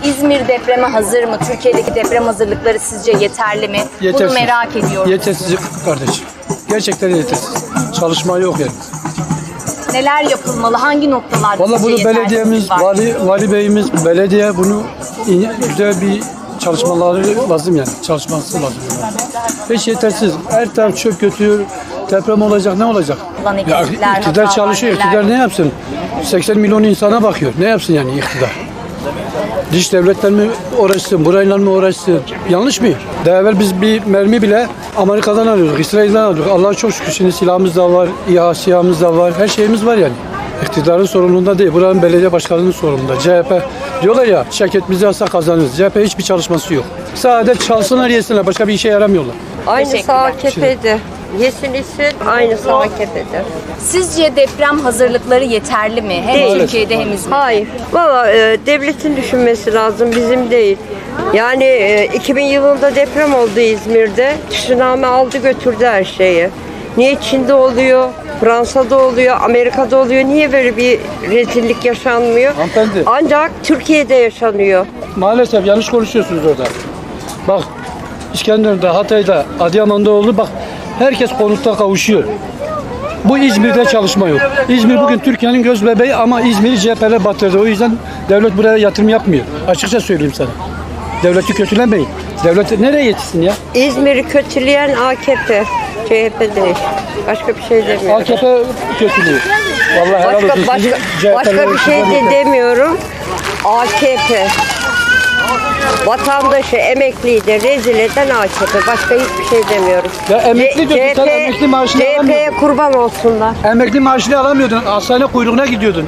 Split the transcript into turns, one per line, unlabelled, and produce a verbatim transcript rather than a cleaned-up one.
İzmir depreme hazır mı? Türkiye'deki deprem hazırlıkları sizce yeterli mi?
Yetersiz.
Bunu merak ediyorum.
Yetersiz kardeşim. Gerçekten yetersiz. Çalışma yok yani.
Neler yapılmalı? Hangi noktalarda
Vallahi
sizce
bunu
yetersizlik
belediyemiz,
var?
vali, vali beyimiz, belediye bunu iyi- güzel bir çalışmaları lazım yani. Çalışması lazım. Yani. Hiç yetersiz. Her taraf çöp götürüyor. Deprem olacak, ne olacak?
Ulan
Ya
eksikler,
iktidar
hatalar,
çalışıyor.
neler
İktidar
var?
ne yapsın? seksen milyon insana bakıyor. Ne yapsın yani iktidar? Dış devletler mi uğraşsın, burayla mı uğraşsın? Yanlış mı? Daha evvel biz bir mermi bile Amerika'dan alıyorduk, İsrail'den alıyorduk. Allah'a çok şükür şimdi silahımız da var, İHA, SİHA'mız da var, her şeyimiz var yani. İktidarın sorumluluğunda değil, buranın belediye başkanının sorumluluğunda. C H P diyorlar ya, şirketimizi alsa kazanırız. C H P hiçbir çalışması yok. Sadece çalsınlar yesinler, başka bir işe yaramıyorlar.
Aynısı
Teşekkürler.
A K P'de. Yesin içsin, aynısı A K P'de.
Sizce deprem hazırlıkları yeterli mi? Hem
Değil.
Türkiye'de hem İzmir'de.
Hayır. Valla e, devletin düşünmesi lazım, bizim değil. Yani e, iki bin yılında deprem oldu İzmir'de. Tsunami aldı götürdü her şeyi. Niye Çin'de oluyor, Fransa'da oluyor, Amerika'da oluyor? Niye böyle bir rezillik yaşanmıyor?
Hanımefendi.
Ancak Türkiye'de yaşanıyor.
Maalesef yanlış konuşuyorsunuz orada. Bak, İskenderun'da, Hatay'da, Adıyaman'da oldu. Bak, herkes konutta kavuşuyor. Bu İzmir'de çalışma yok. İzmir bugün Türkiye'nin göz bebeği ama İzmir'i C H P'ler batırdı. O yüzden devlet buraya yatırım yapmıyor. Açıkça söyleyeyim sana. Devleti kötülemeyin. Devlet nereye yetişsin ya?
İzmir'i kötüleyen A K P, C H P değil. Başka bir şey demiyorum.
A K P kötülüğü. Vallahi helal olsun.
Başka,
Sizi
başka,
C H P'ler
başka bir şey de
yeter.
demiyorum. A K P. Vatandaşı, emekliyi de rezil eden A K P. Başka hiçbir şey demiyorum.
Ya emekli
C-
diyorsun, sen
CHP
emekli maaşını
C H P'ye
alamıyordun.
kurban olsunlar.
Emekli maaşını alamıyordun. Hastane kuyruğuna gidiyordun.